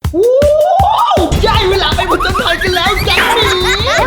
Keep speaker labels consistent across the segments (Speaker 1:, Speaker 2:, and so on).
Speaker 1: ได้เวลาไปผจญภัยกันแล้วแก๊งหมี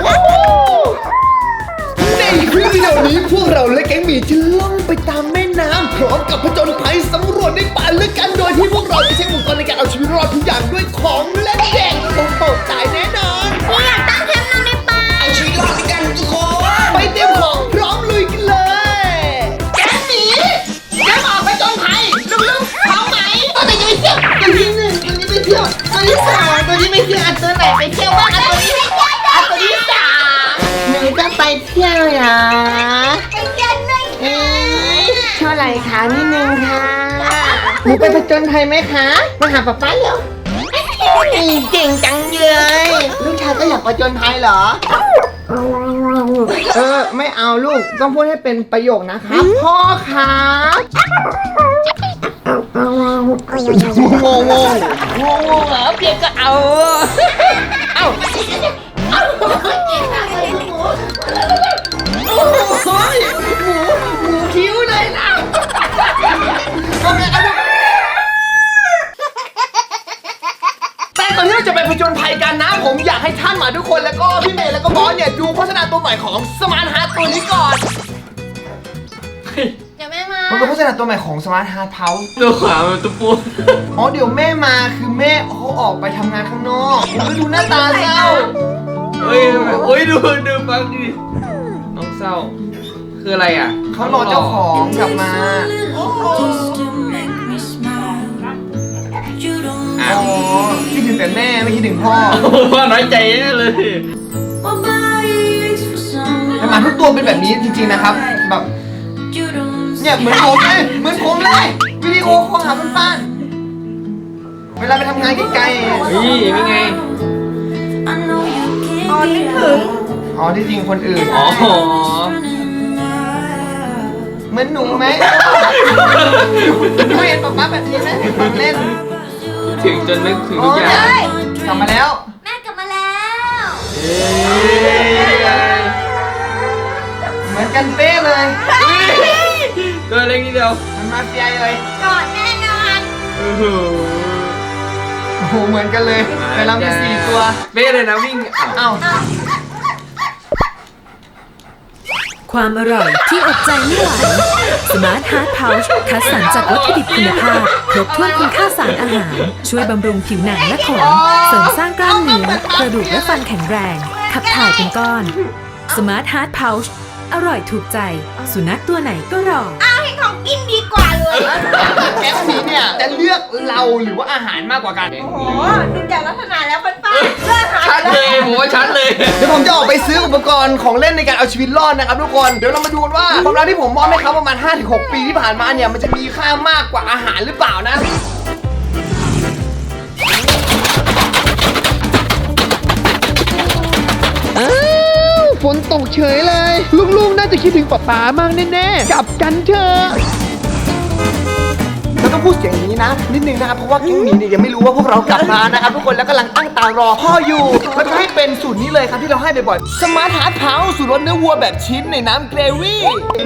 Speaker 1: ในคลิปวิดีโอนี้พวกเราและแก๊งหมีจะล่องไปตามแม่น้ำพร้อมกับผจญภัยสำรวจในป่าลึกกันโดยที่พวกเราจะใช้อุปกรณ์ในการเอาชีวิตรอดทุกอย่างด้วยของเล่นเด็กโอ้โหตายแน่นอน
Speaker 2: อยากตั้งแคมป์นอนในป่า
Speaker 1: เอาชีวิตรอดด้วยกันทุกคนไปเตรียมของพร้อมลุยกันเลยแก๊งหมีแก๊งออกไปผจญภัยลุกๆพร้อมไหมตัวไหนจะไปเที่ยวตัวที่1ตัวนี้ไปเที่ยวตัวที่2ตัวนี้ไปเที่ยวอันตัวไหนไปเที่ยวบ้างอันตัวนี้ตัวที่3หนูจะไปเที่ยวเหรอ
Speaker 2: ไปเที่ยวเลย
Speaker 1: เท่าไหร่คะนิดนึงค่ะหนูไปผจญภัยไหมคะมาหาป๊าป๊าเหรอเก่งจังเลยลูกชายก็อยากผจญภัยเหรอไม่เอาลูกต้องพูดให้เป็นประโยคนะครับพ่อครับงงเหรอเพียงก็เอาหมูคิ้วเลยนะแต่ก่อนที่เราจะไปผจญภัยกันนะผมอยากให้ท่านหมาทุกคนแล้วก็พี่เมย์แล้วก็บอสเนี่ยดูโฆษณาตัวใหม่ของสมาร์ทฮาร์ทตัวนี้ก่อน
Speaker 2: เดี๋ยวแม่มา
Speaker 1: มันเป็นโฆษณาตัวใหม่ของสมาร์ทฮาร์ทเฮ้าส์
Speaker 3: ตัวขวามันตัวปู
Speaker 1: เดี๋ยวแม่มาคือแม่เขาออกไปทำงานข้างนอกดูหน้าตาเศร้า
Speaker 3: เฮ้ยดูฟังดิน้องเศร้าคืออะไรอ่ะ
Speaker 1: เขารอเจ้าของกลับมาคิดถึงแต่แม่ไม่คิดถึงพ่อ
Speaker 3: ว่าน้อยใจแน่เลย
Speaker 1: แต่หมาทุกตัวเป็นแบบนี้จริงๆนะครับแบบเนี่ยเหมือนผมเลยวิดีโอคอลหาเพื่อนๆเวลาไปทำงานไกลๆ
Speaker 3: นี่ไง
Speaker 2: นี่คือ
Speaker 1: ที่จริงคนอื่นเหมือนหนูไหมไม่เห็นป๊าป๊าแบบนี้ไหมเล่น
Speaker 3: ถึงจนนึกถึงทุกอย่าง
Speaker 1: กลับมาแล้ว
Speaker 2: แม่กลับมาแล้ว
Speaker 1: เหมือนกันเป๊ะเลย
Speaker 3: ตัวเล็กนิดเดียว
Speaker 1: มันมาเฟียเลย
Speaker 2: กอดแน่นอน
Speaker 1: โอ้โหเหมือนกันเลยแต่เรามี4ตัว
Speaker 3: เป๊ะเลยนะวิ่ง
Speaker 4: ความอร่อยที่อดใจไม่ไหว Smart Heart Pouch คัดสรรจากวัตถุดิบคุณภาพครบถ้วนคุณค่าสารอาหารช่วยบำรุงผิวหนังและขนเสริมสร้างกล้ามเนื้อกระดูกและฟันแข็งแรงขับถ่ายเป็นก้อน Smart Heart Pouch อร่อยถูกใจสุนัขตัวไหนก็รอ
Speaker 2: ให้ของกินดีกว่าเลย
Speaker 1: แก๊งนี้เนี่ยจะเลือกเราหรือว่าอาหารมากกว่ากัน
Speaker 2: โอ้โหดูจากลักษณะแล้วป้าเลือกอาหาร
Speaker 3: ชัดเลยผมว่าชัดเลย
Speaker 1: เดี๋ยวผมจะออกไปซื้ออุปกรณ์ของเล่นในการเอาชีวิตรอดนะครับทุกคนเดี๋ยวเรามาดูกันว่าความรักที่ผมมอบให้เขาประมาณ 5-6 ปีที่ผ่านมาเนี่ยมันจะมีค่ามากกว่าอาหารหรือเปล่านะฝนตกเฉยเลยลูกๆน่าจะคิดถึงป๊ามากแน่ๆกลับกันเถอะแล้วต้องพูดเสียงอย่างนี้นะนิดนึงนะครับเพราะว่าแก๊งนี้เนี่ยยังไม่รู้ว่าพวกเรากลับมานะครับทุกคนแล้วกำลังตั้งตารอพ่ออยู่แล้วก็ให้เป็นสูตรนี้เลยครับที่เราให้บ่อยๆสมาร์ทฮาร์ทเฮ้าส์สูตรรสเนื้อวัวแบบชิ้นในน้ำเกรวี่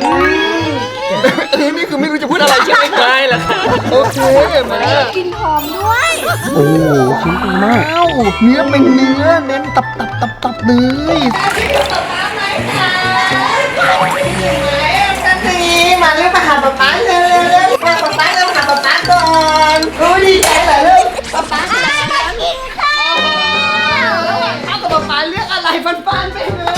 Speaker 1: นี่คือไม่รู้จะพูดอะไรใช่ไหม
Speaker 3: ไม่ละค่ะ
Speaker 1: โอเคมา
Speaker 2: กินหอมด้วย
Speaker 1: โอ้ชิ้นดีมากเนื้อเป็นเนื้อเน้นตับเลยมาเร็วมาหาป๊าเร็วมาป๊าเร็วหาป๊าก่อนดีใจเหรอลูกป๊า
Speaker 2: กินข้าว
Speaker 1: แล้วข้าวกับป๊าเลือกอะไรฟันไปเลย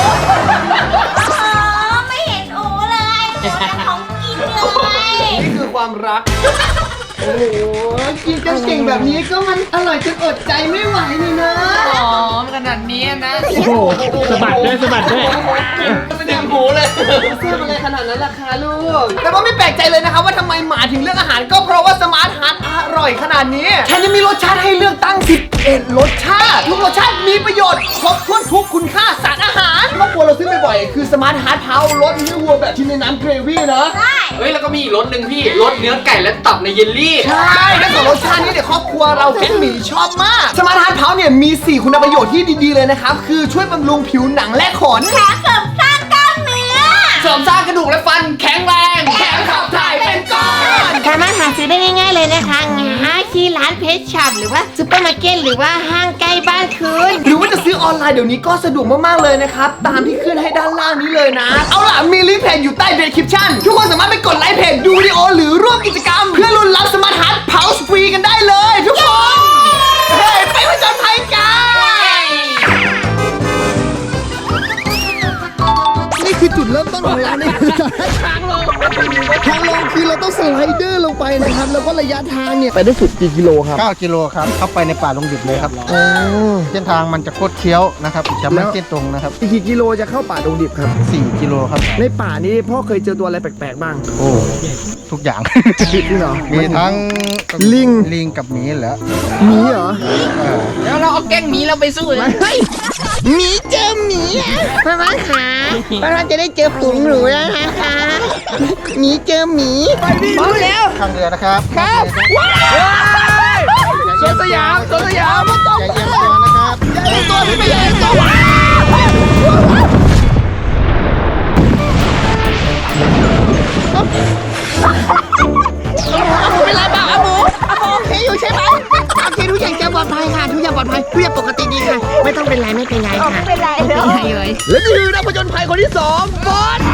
Speaker 2: ไม่เห็นโอ้เลยของกินเลย
Speaker 1: นี่คือความรักโอ้โหกินกันเก่งแบบนี้ก็มันอร่อยจนอดใจไม่ไหวนี่นะ
Speaker 3: ขนาดนี้นะ
Speaker 1: โอ้โหสะบัดด้วยไม่ได้หูเลยเสื้ออะไรขนาดนั้นราคาลูกแต่ว่าไม่แปลกใจเลยนะครับว่าทำไมหมาถึงเลือกอาหารก็เพราะว่าสมาร์ทฮาร์ทอร่อยขนาดนี้แถมยังมีรสชาติให้เลือกตั้ง11รสชาติทุกรสชาติมีประโยชน์ครบถ้วนทุกคุณค่าสารอาหารครอบครัวเราซื้อบ่อยๆคือสมาร์ทฮาร์ทเฮ้าส์รสเนื้อวัวแบบชิ้นในน้ำเกรวี่นะ
Speaker 3: เฮ้ยแล้วก็มีอีกรสหนึ่งพี่รสเนื้อไก่และตับในเยลลี่
Speaker 1: ใช่แล้วก็รสชาตินี้เนี่ยครอบครัวเราแก๊งหมีชอบมากสมาร์ทฮาร์ทเฮ้าส์เนี่ยมี4คุณประโยชน์ที่ดีๆเลยนะครับคือช่วยบำรุงผิวหนังและขน
Speaker 2: แถมเสริมสร้างกล้ามเนื้อ
Speaker 3: เสริมสร้างกระดูกและฟันแข็งแรงแถมขับถ่ายเป็นก้อน
Speaker 2: สามารถหาซื้อได้ง่ายๆเลยนะคะง่ายคิที่ร้านเพชรช็อปหรือว่าซุปเปอร์มาร์เก็ตหรือว่าห้างใกล้บ้านคุณ
Speaker 1: หรือว่าจะซื้อออนไลน์เดี๋ยวนี้ก็สะดวกมากๆเลยนะครับตามที่ขึ้นให้ด้านล่างนี้เลยนะเอาล่ะมีลิงก์เพจอยู่ใต้เดสคริปชั่นทุกคนสามารถไปกดไลค์เพจดูวิดีโอหรือร่วมกิจกรรมเพื่อลุ้นรับสมาร์ทฮาร์ทเพาส์ฟรีกันได้เลยทุกคนเฮ้ยไปผจญภัยกันนี่คือจุดเริ่มต้นของเราเนี่ยทางลงคือเราต้องสไลเดอร์ลงไปนะครับแล้วก็ระยะทางเนี่ยไปได้สุดกี่กิโลครับ
Speaker 5: 9 กิโลครับเข้าไปในป่าดงดิบเลยครับเส้นทางมันจะโคตรเคี้ยวนะครับจะไม่เส้นตรงนะครับ
Speaker 1: อีกกี่กิโลจะเข้าป่าดงดิบครับ
Speaker 5: 4 กิโลครับ
Speaker 1: ในป่านี้พ่อเคยเจอตัวอะไรแปลกๆบ้าง
Speaker 5: โอ้ทุกอย่าง
Speaker 1: จริงเหรอ
Speaker 5: มีทั้ง
Speaker 1: ลิง
Speaker 5: กับหมีเหรอ
Speaker 1: หมีเหรอ
Speaker 3: แล้วเราเอาแกล้งหมีเราไปสู้เลย
Speaker 2: หมีเจอหมีพ่อบ้านขาพ่อบ้านจะได้เจอฝูงหนูแล้วนะคะหมีเจอหมีพร้อมแล้ว
Speaker 5: ข้างเรือนะครับ
Speaker 2: ครับ
Speaker 3: สวนสยามสวนสยาม
Speaker 5: อย่าเอียงตัวนะครับ
Speaker 1: ตัวพี่ไม่ใหญ่ตัวว้าเป็นไรบ้างอาหมูโอเคอยู่ใช่ไหม
Speaker 2: โอเคทุกอย่างจะปลอดภัยค่ะทุกอย่างปลอดภัยทุกอย่างปกติดีค่ะ ไม่ต้องเป็นไรไม่เป็นไรค่ะไม่เป็นไรเลย
Speaker 1: และนี่คือนักผจญภัยคนที่2บอส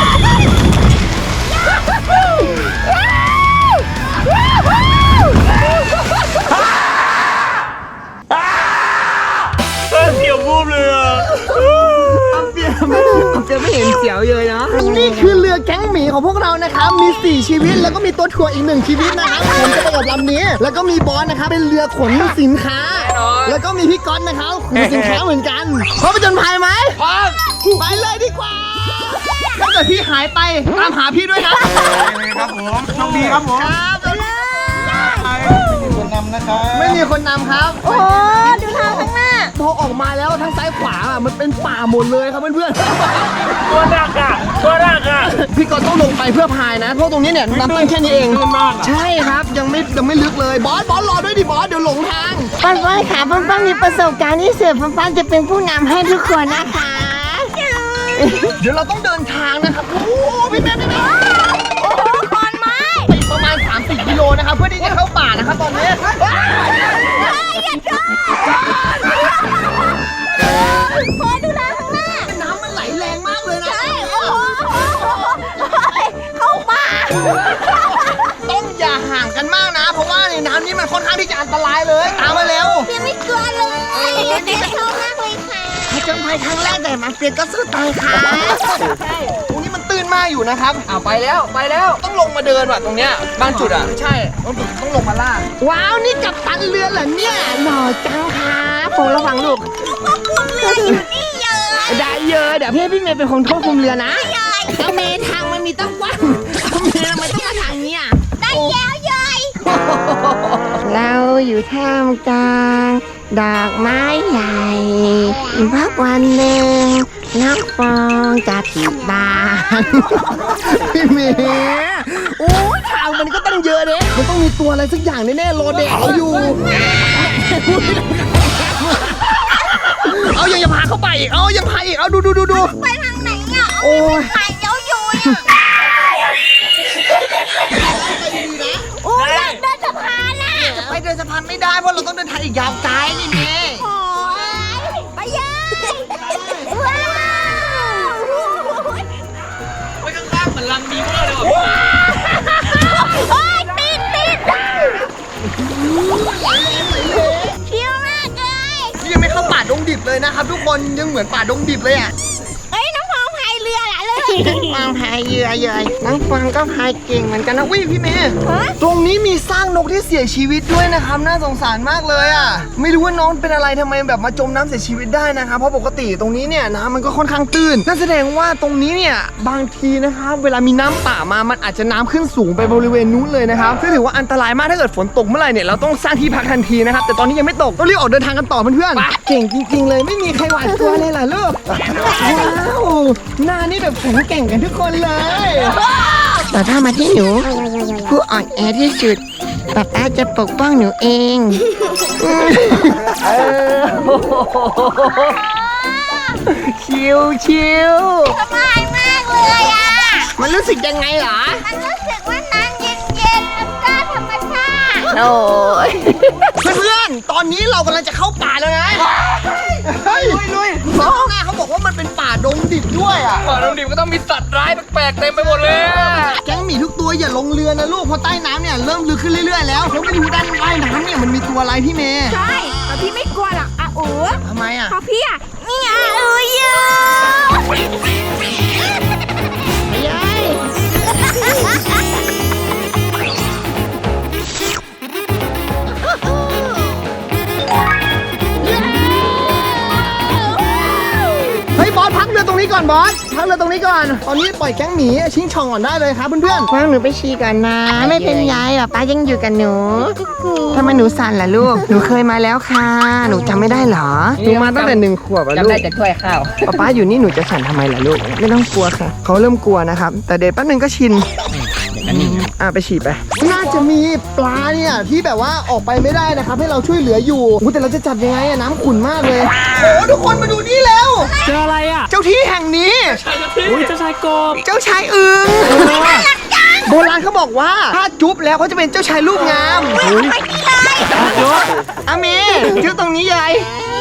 Speaker 1: เสียวบูบเลยอ่ะเปียไม่เห็นเสียวเลยนะนี่คือเรือแก๊งหมีของพวกเรานะครับมี4ชีวิตแล้วก็มีตัวถ่วงอีก1ชีวิตนะครับผมจะไปกับลำนี้แล้วก็มีบอสนะครับเป็นเรือขนสินค้าแล้วก็มีพี่ก๊อตนะครับขนสินค้าเหมือนกันพร้อมผจญภัยไหมพร้อมไปเลยดีกว่าถ้าเกิดพี่หายไปตามหาพี่ด้วยนะครับผมโชคดีครับผมครับไปเลย
Speaker 5: คนนำนะครับ
Speaker 1: ไม่มีคนนำครับ
Speaker 2: โอ้ดูทางข้างหน้า
Speaker 1: พอออกมาแล้วทั้งซ้ายขวาอ่ะมันเป็นป่าหมดเลยครับเพื่อนๆ
Speaker 3: ตัวดักอ่ะตัวดักอ่ะ
Speaker 1: พี่ก็ต้องลงไปเพื่อพายนะเพราะตรงนี้เนี่ยน้ำตื้นแค่นี้เองใช่ครับยังไม่ลึกเลยบอสรอด้วยดิบอสเดี๋ยวหลงทาง
Speaker 2: ป้านค่ะป้านมีประสบการณ์ที่เสือป้านจะเป็นผู้นำให้ทุกคนนะคะ
Speaker 1: เดี๋ยวเราต้องเดินทางนะครับโอ้โหพี่แม่
Speaker 2: โอ้โหขอนไม้
Speaker 1: ไปประมาณ30 กิโลนะครับเพื่อที่จะเข้าป่านะครับตอนนี้
Speaker 2: อย่าชนพอดูแลข้างหน้า
Speaker 1: น้ำมันไหลแรงมากเลยนะ
Speaker 2: ใช่โอ้โหเข้าป่า
Speaker 1: ต้องอย่าห่างกันมากนะ เพราะว่าในน้ำนี้มันค่อนข้างที่จะอันตรายเลยตามมาเร็ว
Speaker 2: เปียไม่กลัวเลยเด็กชอบมากเลยค่ะผจญภัยครั้งแรกแต่มาเปียก็สู้ตายค่ะ
Speaker 1: ใช่ตรงนี้มันตื้นมากอยู่นะครับ
Speaker 3: เอาไปแล้วไปแล้ว
Speaker 1: ต้องลงมาเดินว่ะตรงเนี้ยบางจุดอ่ะใช่ต้องลงมาล่าว้าวนี่กัปตันเรือเหรอเนี่ย
Speaker 2: หล่อจังค่ะผมระวังลูกควบคุมเรืออยู่นี่เยอะ
Speaker 1: ได้เยอะเดี๋ยวพี่เมย์เป็นคนควบคุมเรือนะ
Speaker 2: แล้วเมทางมันมีตั้งกว้างเมทำไมต้องมาทางเนี้ยได้แล้วยายเราอยู่ท่ามกลางดอกไม้ใหญ่พักวันหนึ่งน้องฟองจะผิดบ้าน
Speaker 1: พี่เมย์โอ้ยทางมันก็ตั้งเยอะเด้มันต้องมีตัวอะไรสักอย่างแน่ๆรอเด็กเราอยู่ เอาอย่าพาเข้าไปอีกเอายังพาอีกเอาดู
Speaker 2: ไปทางไหนอ่ะ
Speaker 1: โอ้ย
Speaker 2: หายเย้าโยยโอ้ยเดินสะพานน่ะ
Speaker 1: ไปเดินสะพานไม่ได้เพราะเราต้องเดินทางอีกยาวไกลนี่เมย์
Speaker 2: โอ้ยไปยัยว้าว
Speaker 3: ไปข้างๆเหมือนลังบีเวอร์เลยว่ะ
Speaker 2: โอ้ยติดชิวมากเลย
Speaker 1: นี่ยังไม่เข้าป่าดงดิบเลยนะครับทุกคนยังเหมือนป่าดงดิบเลยอ่ะ
Speaker 2: เอ้ยน้องฟองพายเรือล่ะเลยฟองพายเรือเยอะน้องฟองก็พายเก่งเหมือนกันนะ
Speaker 1: วิพี่เมย์ตรงนี้มีสร้างนกที่เสียชีวิตด้วยนะครับน่าสงสารมากเลยอ่ะไม่รู้ว่าน้องเป็นอะไรทำไมแบบมาจมน้ำเสียชีวิตได้นะครับเพราะปกติตรงนี้เนี่ยน้ำมันก็ค่อนข้างตื้นนั่นแสดงว่าตรงนี้เนี่ยบางทีนะครับเวลามีน้ำป่ามามันอาจจะน้ำขึ้นสูงไปบริเวณนู้นเลยนะครับซึ่งถือว่าอันตรายมากถ้าเกิดฝนตกเมื่อไหร่เนี่ยเราต้องสร้างที่พักทันทีนะครับแต่ตอนนี้ยังไม่ตกต้องรีบออกเดินทางกันต่อเพื่อนๆเก่งจริงๆเลยไม่มีใครหวาดกลัวเลยล่ะลูกว้าวหน้านี่แบบแข็งแกร่งกันทุกคนเลย
Speaker 2: แต่ถ้ามาที่หนูผู้อ่อนแอที่สุดป๊าจะปกป้องหนูเอง
Speaker 1: ชิว
Speaker 2: สบายมากเลยอ่ะ
Speaker 1: มันรู้สึกยังไงเหรอ
Speaker 2: มันรู้สึกว่าน้ำเย็นๆแล้วก็ธรรมชาติโอ้ย
Speaker 1: เพื่อนๆ ตอนนี้เรากำลังจะเข้าป่าแล้วนะเฮ้ยลุยข้างหน้าเขาบอกว่ามันเป็นป่าดงดิบด้วยอ่ะ
Speaker 3: ป่าดงดิบก็ต้องมีสัตว์ร้ายแปลกๆเต็มไปหมดเลยอะ
Speaker 1: แก๊งหมีทุกตัวอย่าลงเรือนะลูกเพราะใต้น้ำเนี่ยเริ่มลึกขึ้นเรื่อยๆแล้วแล้วไม่รู้ด้านใต้น้ำเนี่ยมันมีตัวอะไรพี่เมย์
Speaker 2: ใช่แต่พี่ไม่กลัวหรอกอาอู
Speaker 1: ทำไมอ่ะ
Speaker 2: เพราะพี่อ่ะนี่อาอูเยอะยาย
Speaker 1: เฮ้ยบอสพักเรือตรงนี้ก่อนบอสพักเรือตรงนี้ก่อนตอนนี้ปล่อยแก๊งหมีชิงช่องก่อนได้เลยครับเพื่อน
Speaker 2: ฟังหนูไปฉี่ก่อนนะ ไม่เป็นไรหรอกป้ายังอยู่กับหนูทำไมหนูสั่นล่ะลูก หนูเคยมาแล้วค่ะ หนูจำไม่ได้เหรอ
Speaker 1: ๆหนูมาตั้งแต่1 ขวบอะลูก
Speaker 3: จำได้จากถ้วยข้าว
Speaker 1: ป๊าอยู่นี่หนูจะสั่นทำไมล่ะลูกไม่ต้องกลัวค่ะเขาเริ่มกลัวนะครับแต่เดี๋ยวแป๊บนึงก็ชินไปฉี่ไปน่าจะมีปลาเนี่ยที่แบบว่าออกไปไม่ได้นะครับให้เราช่วยเหลืออยู่อู้แต่เราจะจับยังไงอะน้ำขุ่นมากเลยโอ้ทุกคนมาดูนี่แล้ว
Speaker 6: เจออะไรอ่ะ
Speaker 1: เจ้าที่แห่งนี้
Speaker 6: อุ้ยเจ้าชายกบ
Speaker 1: เจ้าชายอึงโบราณเขาบอกว่าถ้าจุ๊บแล้วเขาจะเป็นเจ้าชายรูปงามอาเมจุ๊บตรงนี้ยาย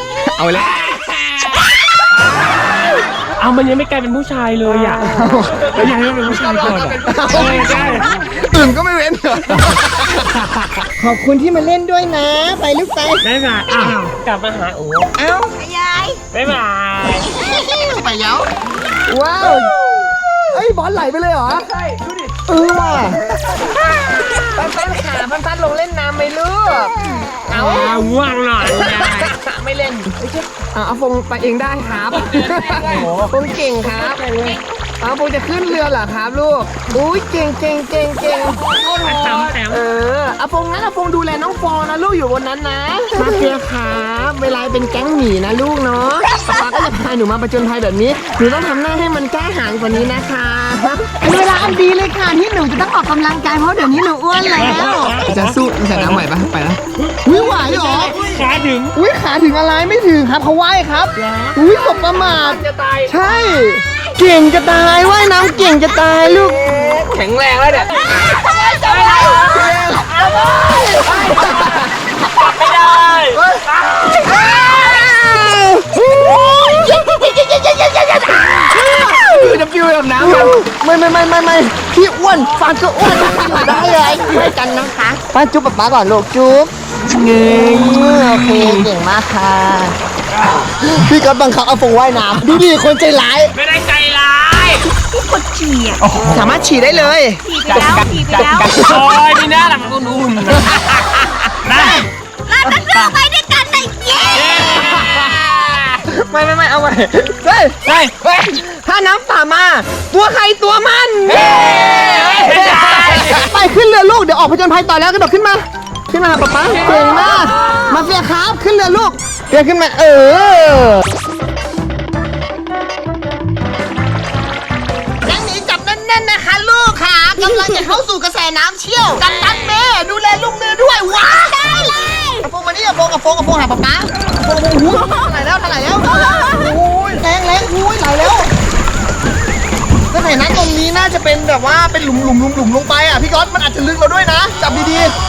Speaker 6: เอามันยังไม่กลายเป็นผู้ชายเลยอ่ะแล้วยังให้มันเป็นผู้ชายก่อนอ่ะใช่
Speaker 1: อึ่งก็ไม่เว้นเหรอขอบคุณที่มาเล่นด้วยนะ ไปลูกไป
Speaker 6: ได้มาอ้าวกลับมาหาโอ้
Speaker 1: เอ้า
Speaker 2: ยาย
Speaker 6: บ๊ายบาย
Speaker 1: ไปเย้าว้าวเอ้ยบอลไหลไปเลยเหรอใช่ดูดิว่ะปั้นขาปั้นลงเล่นน้ำไหมลูก
Speaker 6: เอาง่วงหน่อยยาย
Speaker 1: ไม่เล่นเอาฟงไปเองได้ครับฟงเก่งครับเอาฟงจะขึ้นเรือเหรอครับลูกอุ้ยเก่ง
Speaker 6: แถม
Speaker 1: อาฟงงั้นอาฟงดูแลน้องฟองนะลูกอยู่บนนั้นนะมาเฟียครับเวลาเป็นแก๊งหมีนะลูกเนาะป๊าก็จะพาหนูมาประจนภัยแบบนี้หนูต้องทำหน้าให้มันกล้าหาญกว่านี้นะคะเป็นเวลาอันดีเลยค่ะที่หนูจะต้องออกกำลังกายเพราะเดี๋ยวนี้หนูอ้วนแล้วจะสู้ใส่น้ำไหวปะไปแล้วอุ้ยไหวเหรอ
Speaker 6: ขาถึง
Speaker 1: อุ้ยขาถึงอะไรไม่ถึงครับเขาว่ายครับอุ้ยสบประมาทจะตายใช่ เก่งจะตายว่ายน้ำเก่งจะตายลูก
Speaker 3: แข็งแรงแล้วเนี่ย
Speaker 6: ไม่ได้
Speaker 1: คือจะฟิวแบบน้ำไม่พี่อ้วนฟานก็อ้วนได้เลยช่วยกันนะคะป้าจุ๊บป๊าก่อนลูกจุ๊บเงยโอเคเก่งมากค่ะพี่ก็บังคับเอาฟงว่ายน้ำดูดิคนใจร้าย
Speaker 6: ไม่ได้ใจร้าย
Speaker 1: สามารถฉี่ได้เลย
Speaker 2: ฉี่ไปแล้ว
Speaker 6: โอ้ยมีหน้าหลังอุ่นๆได้
Speaker 2: เราจะเลือกไปด้วยกันได้เย้
Speaker 1: ไม่เอาไว้เฮ้ยถ้าน้ำป่ามาตัวใครตัวมันไปขึ้นเรือลูกเดี๋ยวออกผจญภัยต่อแล้วกระโดดขึ้นมาป๊าเก่งมากมาเฟียครับขึ้นเรือลูกเฟียขึ้นมาแก๊งนี้จับแน่นๆนะคะลูกค่ะกำลังจะเข้าสู่กระแสน้ำเชี่ยวกันนัดเมย์ดูแลลูกเรือด้วยว้าได้เลยกระโปรงมานี่กระโปรงหาป๊ากระโปรงหูไหลแล้วโอ้ยแรงอุ้ยไหลแล้วกระแสน้ำตรงนี้น่าจะเป็นแบบว่าเป็นหลุมลงไปอ่ะพี่ก๊อตมันอาจจะลึกเราด้วยนะจับดีๆ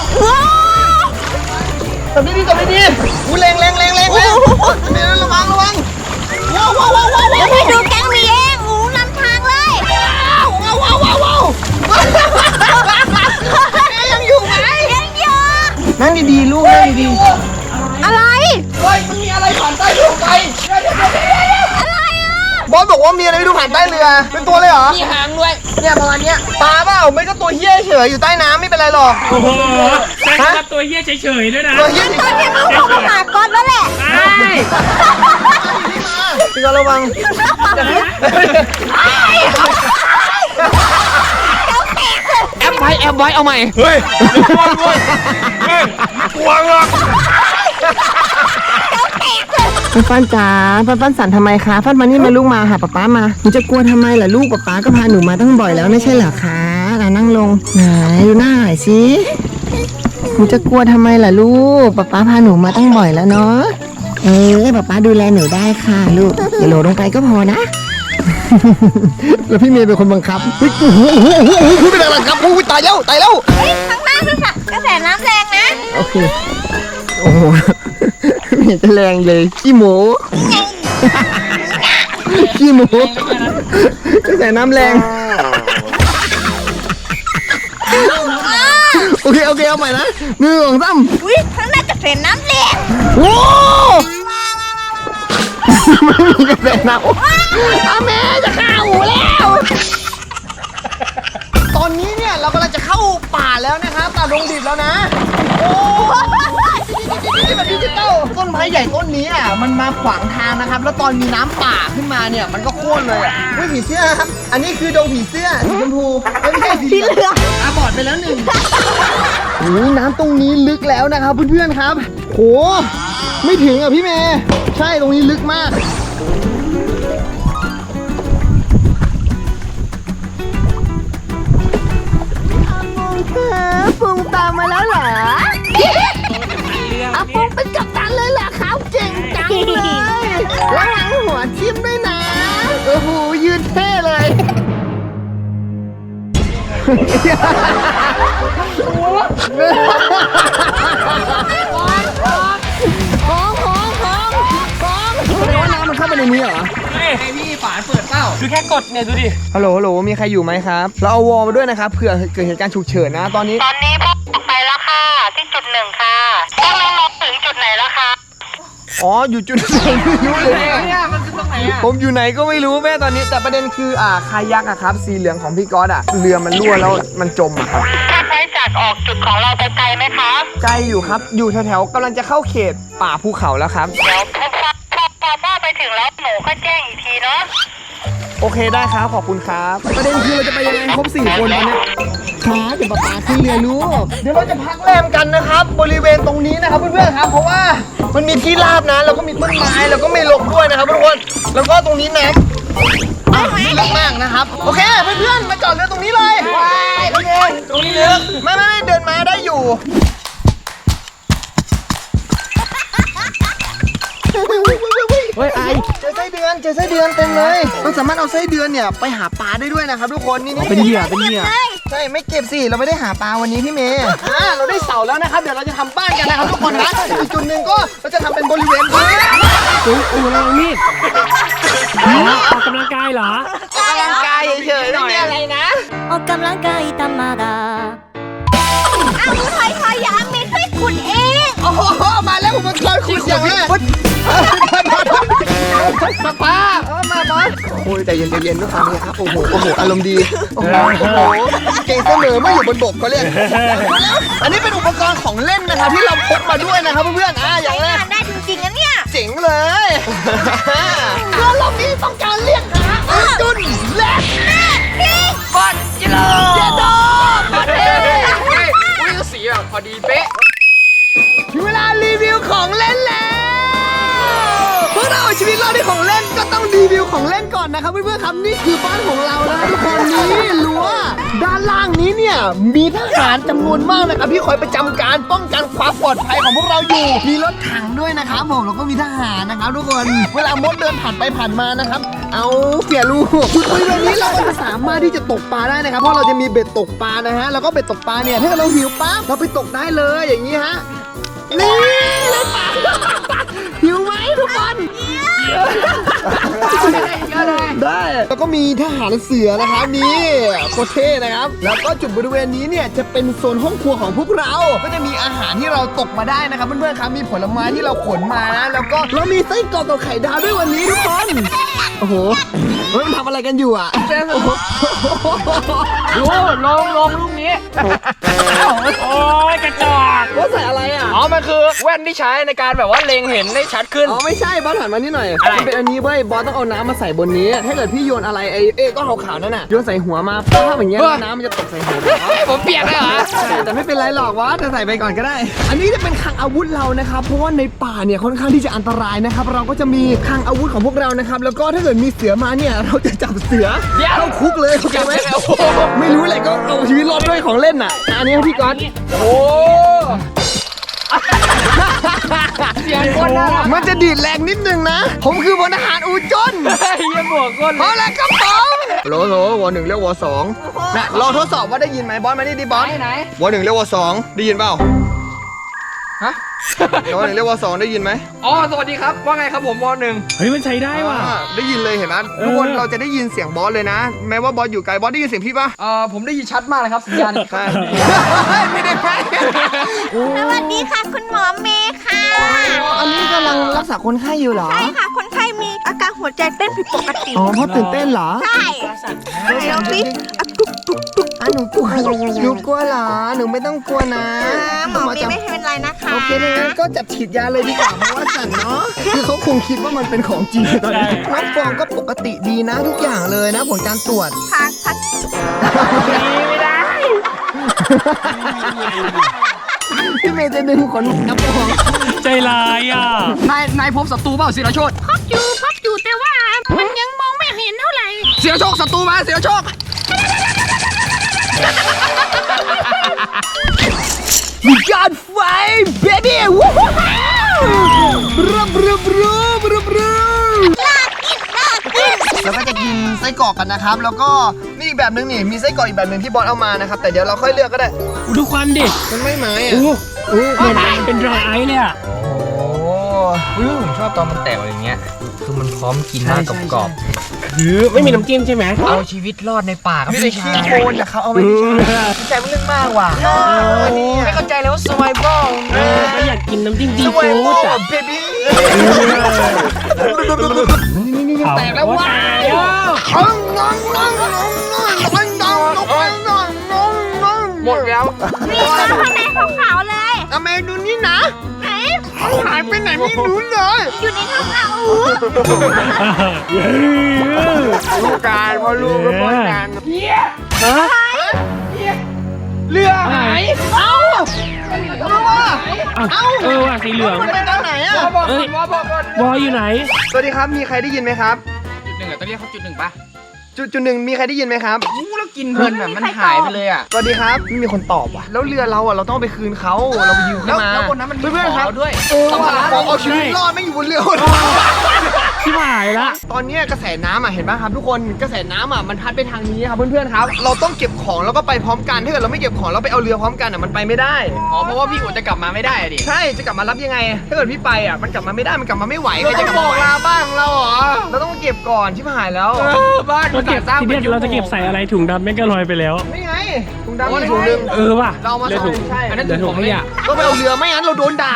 Speaker 1: จับดีๆอู้แรงนี่ระวังว้าว
Speaker 2: แล้วพี่ดูแก๊งมีเองหูนำทางเลย
Speaker 1: ว้าวยังอยู่ไหม
Speaker 2: ยังอยู่
Speaker 1: นั่งดีๆลูกนั่งดี
Speaker 2: อะไร
Speaker 1: ๆเฮ้ยมันมีอะไรผ่านใต้เรือไป
Speaker 2: อะไรอ่ะ
Speaker 1: บอสบอกว่ามีอะไรไม่รู้ผ่านใต้เรือเป็นตัวเลยเหรอ
Speaker 3: มีหางด้วย
Speaker 1: เนี่ยประมาณเนี้ยปลาเปล่าไม่ก็ตัวเหี้ยเฉยอยู่ใต้น้ำไม่เป็นไรหรอก
Speaker 6: โอ้โหใช้คำว่าตัวเหี้ยเฉยๆด้วยนะ
Speaker 1: ตัวเหี้ย
Speaker 2: ตอนนี้ต้องเข้าหาก้อนแล้วแหละ
Speaker 6: ใช่
Speaker 1: พี่ก็ระวังแอบไว้เอาใหม่
Speaker 3: เฮ้ยกลัวด้วยเฮ้ยกลัวหรอก
Speaker 1: ฟันจ๋าฟันสั่นทำไมคะฟันมานี่มาลูกมาหาป๊ามาหนูจะกลัวทำไมล่ะลูกป๊าก็พาหนูมาตั้งบ่อยแล้วไม่ใช่เหรอคะนั่งลงไหนดูหน้าหน่อยสิหนูจะกลัวทำไมล่ะลูกป๊าพาหนูมาตั้งบ่อยแล้วเนาะป๊าดูแลหนูได้ค่ะลูกอย่าโหลดลงไปก็พอนะ แล้วพี่เมย์เป็นคนบังคับเฮ้ยเป็นอะไรครับตายแล้ว
Speaker 2: ข้างหน้าคือกระแสน้ำแรงนะนะ
Speaker 1: โอเค โอ้โห ไม่เห็นจะแรงเลยขี้หมูขี้หมูจะใส่น้ำแรงโอเคเอาใหม่นะ1 2 3
Speaker 2: อุ้ยข้างหน้าจะเป็นน้ำแรง
Speaker 1: โอ้ไม่มีกระแสน้ำอาแม่จะฆ่าหูแล้ว ตอนนี้เนี่ยเรากำลังจะเข้าป่าแล้วนะครับป่าดงดิบแล้วนะโอ้นี่แบบดิจิตอลต้นไม้ใหญ่ต้นนี้อ่ะมันมาขวางทางนะครับแล้วตอนมีน้ำป่าขึ้นมาเนี่ยมันก็โค่นเลยอ่ะเฮ้ยผีเสื้อครับอันนี้คือดงผีเสื้อสีชมพูไม่ใช่สีเหลืองตาบอดไปแล้ว1โอ้ยน้ำตรงนี้ลึกแล้วนะครับเพื่อนๆครับโหไม่ถึงอ่ะพี่เมย์ใช่ตรงนี้ลึกมากปุงตามมาแล้วเหรออาปุงเป็นกัปตันเลยเหรอครับเก่งจังเลยระวังหัวทิ่มด้วยนะโอ้โหยืนเท่เลยว่าน้ำมันเข้าไปในนี้เหรอ
Speaker 3: ไอพี่ฝาเปิดเปล่า
Speaker 6: คือแค่กดเนี่ยดูดิ
Speaker 1: ฮัลโหลมีใครอยู่ไหมครับเราเอาวอลมาด้วยนะครับเผื่อเกิดเหตุการณ์ฉุกเฉินนะตอนนี้
Speaker 7: ตอนนี้พวกไปแล้วค่ะ ที่จุด1 ค่ะพวกน้องๆถึงจุดไหนแล้วคะ
Speaker 1: อ๋ออยู่จุดไหนไม่รู้เลย
Speaker 3: เนี่ยมันคือตรงไหนอ่ะ
Speaker 1: ผมอยู่ไหนก็ไม่รู้แม่ตอนนี้แต่ประเด็นคือคายักอะครับสีเหลืองของพี่ก๊อตอะเรือมันรั่วแล้วมันจมอะครับ
Speaker 7: ถ้าใช้จากออกจุดของเราไปไกลไหมคะ
Speaker 1: ไกลอยู่ครับอยู่แถวๆกำลังจะเข้าเขตป่าภูเขาแล้วครับ
Speaker 7: เดี๋ยวพอพ่อไปถึงแล้วหนูก็แจ้งอีกทีเนาะ
Speaker 1: โอเคได้ครับขอบคุณครับประเด็นคือเราจะไปยังไงครบ4 คนตอนเนี้ยครับเดี๋ยวป๊าขึ้นเรือลูกเดี๋ยวเราจะพักแรมกันนะครับบริเวณตรงนี้นะครับเพื่อนๆครับเพราะว่ามันมีที่ราบนะแล้วก็มีต้นไม้แล้วก็ไม่ลงด้วยนะครับทุกคนแล้วก็ตรงนี้น้ำลึกมากนะครับโอเคเพื่อนๆมาจอดเรือตรงนี้เลยโอเคตรงนี้ลึกไม่เดินมาได้อยู่เฮ้ยเจอไส้เดือนเต็มเลยเราสามารถเอาไส้เดือนเนี่ยไปหาปลาได้ด้วยนะครับทุกคนนี่เป็นเหยื่อใช่ไม่เก็บสิเราไม่ได้หาปลาวันนี้พี่เมย์เราได้เสาแล้วนะครับเดี๋ยวเราจะทำบ้านกันนะครับทุกคนนะอีกจุดหนึ่งก็เราจะทำเป็นบริเวณบ้าน
Speaker 6: เรานี่ออกกำลังกายเหรอ
Speaker 1: ออกกำลังกายเฉยๆไม่มีอะไรนะ
Speaker 8: ออกกำลังกายธรรมดา
Speaker 2: เอาถอยอย่าเมนให้ขุดเอง
Speaker 1: โอ้โหมาแล้วอุปกรณ์ขุดอย่างแรกป้ามาโอ้ยใจเย็นทุกคนเนี่ยครับโอ้โหอารมณ์ดีโอ้โหเก่งเสมอไม่อยู่บนบกก็เรียกอันนี้เป็นอุปกรณ์ของเล่นนะครับที่เราพกมาด้วยนะครับเพื่อนๆอย่างแรก
Speaker 2: ได้จริงๆนะเนี่ย
Speaker 1: เจ๋งเลยเพื่อรอบนี้ต้องการเรียกหาจุนเล็กบอลจิโร่เจโดบอลเฮ้ยสีแบบพอดีเป๊ะถึงเวลารีวิวของเล่นแล้วพวกเราชีวิตเราที่ของเล่นก็ต้องรีวิวของเล่นก่อนนะครับเพื่อนๆครับนี่คือบ้านของเราแล้วทุกคนนี่รั้วด้านล่างนี้เนี่ยมีทหารจำนวนมากนะครับที่คอยประจำการป้องกันความปลอดภัยของพวกเราอยู่มีรถถังด้วยนะครับผมแล้วก็มีทหารนะครับทุกคนเวลามดเดินผ่านไปผ่านมานะครับเอาเสียลูกจุดบริเวณนี้เราก็จะสามารถที่จะตกปลาได้นะครับเพราะเราจะมีเบ็ดตกปลานะฮะแล้วก็เบ็ดตกปลาเนี่ยถ้าเราหิวปั๊บเราไปตกได้เลยอย่างนี้ฮะนี่เลยปลาหิวไหมทุกคนได้แล้วก็มีทหารเสือนะครับนี่โคตรเท่นะครับแล้วก็จุดบริเวณนี้เนี่ยจะเป็นโซนห้องครัวของพวกเราก็จะมีอาหารที่เราตกมาได้นะครับเพื่อนๆครับมีผลไม้ที่เราขนมานะแล้วก็เรามีไส้กรอกกับไข่ดาวด้วยวันนี้ทุกคนโอ้โหมันทำอะไรกันอยู่อ่ะโอ้โห
Speaker 3: ดูลงลูกนี้
Speaker 6: โอ้ยกระจอก
Speaker 1: ว่าใส่อะไรอ่ะ
Speaker 3: อ๋อ มันคือแว่นที่ใช้ในการแบบว่าเล็งเห็นได้ชัดขึ้น
Speaker 1: อ๋อไม่ใช่บอสหันมานี่หน่อยมันเป็นอันนี้เว้ยบอสต้องเอาน้ำมาใส่บนนี้ถ้าเกิดพี่โยนอะไรไอ้ก้อนขาวๆนั่นน่ะโยนใส่หัวมาป้าอย่างเงี้ยน้ำมันจะตกใส่หัว
Speaker 3: ผมเปียกเลยเหรอ
Speaker 1: แต่ไม่เป็นไรหรอกวะจะใส่ไปก่อนก็ได้ อันนี้จะเป็นคลังอาวุธเรานะครับเพราะว่าในป่าเนี่ยค่อนข้างที่จะอันตรายนะครับเราก็จะมีคลังอาวุธของพวกเรานะครับแล้วก็ถ้าเกิดมีเสือมาเนี่ยเราจะจับเสือเข้าคุกเลยโอเคไหมไม่รู้เลยก็เอาชีวิตรอดด้วยของเล่นน่ะอันนี้ให้พี่ก๊อต
Speaker 3: โอ้เสียงคนน่ารัก
Speaker 1: มันจะดีดแรงนิดนึงนะผมคือพลทหารอูจน
Speaker 3: เยี่ยมบวกก้น
Speaker 1: พอแล้วครับผมโหลวอ1เรียกวอ2นะลองทดสอบว่าได้ยินไหมบอสมานี่ดิบอส
Speaker 3: ไหน
Speaker 1: วอ1เรียกวอ2ได้ยินเปล่า
Speaker 3: ฮะ
Speaker 1: ว.1 เรียกว.2 ได้ยินไหม
Speaker 3: อ๋อสวัสดีครับว่าไงครับผมว.1
Speaker 6: เฮ้ยมันใช้ได้ว่ะ
Speaker 1: ได้ยินเลยเห็นไหมทุกคนเราจะได้ยินเสียงบอสเลยนะ แม้ว่าบอสอยู่ไกลบอสได้ยินเสียงพี่ปะ
Speaker 3: ผมได้ยินชัดมากเลยครับสัญญาณ
Speaker 1: ใช่ไม่ได้ไป
Speaker 2: สวัสดีค่ะคุณหมอเมย์ค่ะ
Speaker 1: อันนี้กำลังรักษาคนไข้อยู่เหรอ
Speaker 2: ใช่ค่ะ คนไข้มีอาการหัวใจเต้นผิดปกติ
Speaker 1: อ๋อเพราะตื่นเต้นเหรอ
Speaker 2: ใช่เดี๋ยวพี่อ่ะตุกตุกตุก
Speaker 1: หนูกลัวหนูกลัวเหรอหนูไม่ต้องกลัวนะ
Speaker 2: หมอเมย์ไม่เป็นไรนะคะ
Speaker 1: โอเคงั้นก็จับฉีดยาเลยดีกว่าเพราะว่าสั่นเนาะคือเขาคงคิดว่ามันเป็นของจริงตอนนี้น้ำฟองก็ปกติดีนะทุกอย่างเลยนะผลการตรวจ
Speaker 2: พัก
Speaker 1: ไม่ได้ พี่เมย์จะดึงขนน้ำฟอง
Speaker 6: ใจร้ายอ่ะ
Speaker 3: นายพบศัตรูเปล่าศิรโชต
Speaker 2: พักอยู่แต่ว่ามันยังมองไม่เห็นเท่าไหร่
Speaker 3: ศิรโชคศัตรูมาศิรโชค
Speaker 1: We got five baby วู้ฮู้รูปแล้วก็จะกินไส้กรอกกันนะครับ แล้วก็นี่อีกแบบนึงนี่มีไส้กรอกอีกแบบนึงที่บอสเอามานะครับแต่เดี๋ยวเราค่อยเลือกก็ได้
Speaker 6: ดูควันดิ
Speaker 1: มันไม่ไหมอ่ะ
Speaker 6: เป็นดรายไอซ์เลยอ่ะ
Speaker 3: ผมชอบตอนมันแตกอย่างเงี้ยคือมันพร้อมกินมากกรอบ
Speaker 6: ไม่มีน้ำจิ้มใช่ไหม
Speaker 3: เอาชีวิตรอดในป่าครับ
Speaker 1: ไม่ได้ขี้โคลนนะเขาเอาไปที่ใจมันเรื่องมากว่ะไม่เข้าใจเลยว่า survival
Speaker 6: ก็อยากกินน้ำจิ้มซีฟู้
Speaker 1: survival
Speaker 6: ดอ่ะ
Speaker 1: baby
Speaker 6: แตกแล้วว้า
Speaker 3: หมดแล้ว
Speaker 2: นี่มาข้างในขาวๆเลย
Speaker 1: อเมดูนี่นะ
Speaker 2: ไหน
Speaker 1: หายไปไหนไม่รู้เลย
Speaker 2: อยู่ในท้องเรา
Speaker 1: ลูกการพอลูกก็ป้อนกัน
Speaker 3: เรือหาย
Speaker 6: เออว่ะสีเหลือง
Speaker 1: มันไปทางไหนอ่ะ
Speaker 6: เอ้ย วออยู่ไหน
Speaker 1: สวัสดีครับมีใครได้ยินไหมครับ
Speaker 3: จุดหนึ่งต้องเรียกเขาจุดหนึ่งป่ะ
Speaker 1: จุดหนึ่งมีใครได้ยินไหมครับ
Speaker 3: แล้วกินเพลินแบบมันหายไปเลยอ่ะ
Speaker 1: สวัสดีครับไม่มีคนตอบว่ะแล้วเรือเราอ่ะเราต้องเอาไปคืนเขาเราไปยืมเขามา
Speaker 3: แล้วบนนั้นมันมี
Speaker 1: เพื่อนๆครับ
Speaker 3: ขอด้วย
Speaker 1: ต้องมาเอาชีวิตรอดไม่อยู่บนเรือ
Speaker 6: ที่หายละ
Speaker 1: ตอนเนี้ยกระแสน้ำอ่ะเห็นไหมครับทุกคนกระแสน้ำอ่ะมันพัดไปทางนี้ครับเพื่อนๆครับเราต้องเก็บของแล้วก็ไปพร้อมกันถ้าเกิดเราไม่เก็บของแล้วไปเอาเรือพร้อมกันอ่ะมันไปไม่ได้
Speaker 3: อ๋อเพราะว่าพี่อุ๋จะกลับมาไม่ได้ดิ
Speaker 1: ใช่จะกลับมารับยังไง ถ้าเกิดพี่ไปอ่ะมันกลับมาไม่ได้มันกลับมาไม่ไหวเราต้องบอกลาบ้านของเราเหรอเราต้องเก็บก่อนที่หายแล้ว
Speaker 3: บ้าน
Speaker 6: เราเก็บทีเนี้ยเราจะเก็บใส่อะไรถุงดำแม่งก็ลอยไปแล้ว
Speaker 1: ไม่ไงถุงดำมีถุงนึง
Speaker 6: เออว่ะ
Speaker 1: เรามา
Speaker 6: เหลือ
Speaker 1: ใส่
Speaker 6: ถุง
Speaker 1: ใช่
Speaker 3: อันนั้น
Speaker 6: เหลือถุงขยะ
Speaker 1: ก็ไปเอาเรือไม่งั้นเราโดนด่า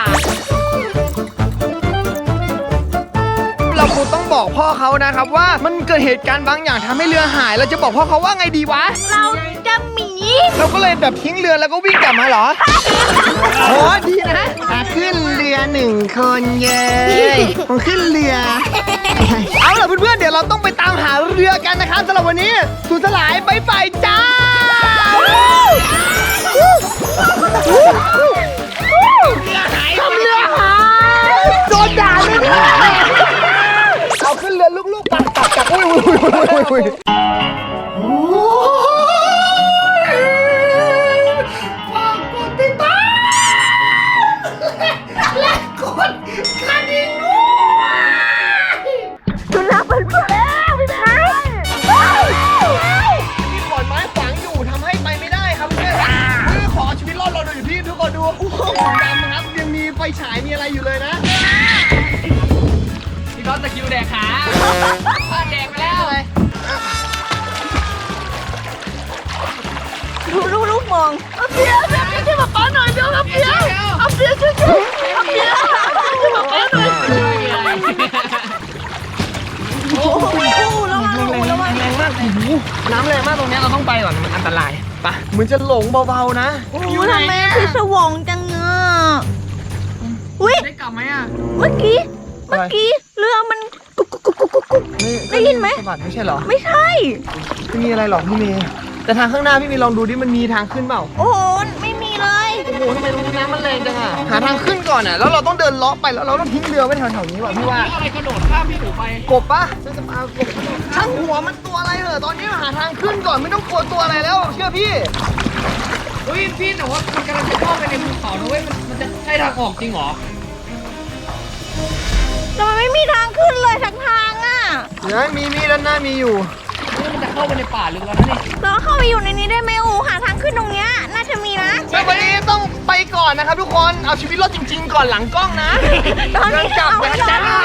Speaker 1: เราคงต้องบอกพ่อเขานะครับว่ามันเกิดเหตุการณ์บางอย่างทำให้เรือหายเราจะบอกพ่อเขาว่าไงดีวะ
Speaker 2: เราจะหมี
Speaker 1: เราก็เลยแบบทิ้งเรือแล้วก็วิ่งกลับมาเหรอ โอ้ดีนะขึ้นเรือหนึ่งคนเย้ผมขึ้นเรือ เอาล่ะเพื่อนๆเดี๋ยวเราต้องไปตามหาเรือกันนะครับสำหรับวันนี้สุดสลายบายบายจ้าทำเรือหายโดนด่าเลยเนี่ยเอาขึ้นเรือลูกๆปักจับอุ้ยฝากกดติดตามและกดกระดิ่งด้วย
Speaker 2: ดูแลเพื่อนแล้วพี่แม่
Speaker 1: มีขอนไม้ขวางอยู่ทำให้ไปไม่ได้ครับเพื่อนคือขอชีวิตรอดเราหน่อยพี่ทุกคนดูโอ้โหดำครับยังมีไฟฉายมีอะไรอยู่เลยนะ
Speaker 3: พี่ท็อปตะคิวแดกขาแดกไปแล้ว
Speaker 2: ลูกมองเอาเปียช่วยป๊าหน่อยเดี๋ยวเอาเปียช่วยเอาเปียช่วยป๊าหน่อยโอ้โหระวัง
Speaker 1: แรงมากโอ้โหน้ำแรงมากตรงนี้เราต้องไปก่อนมันอันตรายปะเหมือนจะหลงเบาๆนะ
Speaker 2: อยู่ทำไมคือสวองจังเงอะอุ้ย
Speaker 3: ได้กลับไหมอ่ะ
Speaker 2: เมื่อกี้เรือมันกุกได้ยินไหม
Speaker 1: สะบัดไม่ใช่เหรอ
Speaker 2: ไม่ใช่
Speaker 1: ไม่มีอะไรหรอกพี่เมย์แต่ทางข้างหน้าพี่เมย์ลองดูดิมันมีทางขึ้นเปล่า
Speaker 2: โอ้โหไม่มีเลย
Speaker 1: โอ้โหทำไมตรงนี้น้ำมันแรงจังอะหาทางขึ้นก่อนอะแล้วเราต้องเดินเลาะไปแล้วเราต้องทิ้งเรือไว้แถวๆนี้ว่ะพี่ว่า
Speaker 3: อะไรกระโดดข้ามพี่หนูไป
Speaker 1: กบปะฉันจะมากบช่างหัวมันตัวอะไรเหรอตอนนี้หาทางขึ้นก่อนไม่ต้องกลัวตัวอะไรแล้วเชื่อพี่
Speaker 3: เฮ้ยพี่แต่ว่ามันกำลังจะเข้าไปในภูเขานะเว้ยมันจะใช่ทางออกจริงเหรอ
Speaker 2: แต่มันไม่มีทางขึ้นเลยสักทางอ่ะ
Speaker 1: เดี๋ยวมีด้านหน้ามีอยู่
Speaker 3: มันจะเข้าไปในป่าลึกแล้วนะนี่
Speaker 2: เราเข้าไปอยู่ในนี้ได้ไหมอูหาทางขึ้นตรงเนี้ยน่าจะมีนะ
Speaker 1: วันนี้ต้องไปก่อนนะครับทุกคน เอาชีวิตรอดจริง ๆ ก่อนหลังกล้องนะ
Speaker 2: ตอนนี้
Speaker 1: เดินกลับ
Speaker 2: เอา
Speaker 1: ไป
Speaker 2: ไม่
Speaker 1: จ้า
Speaker 2: ได้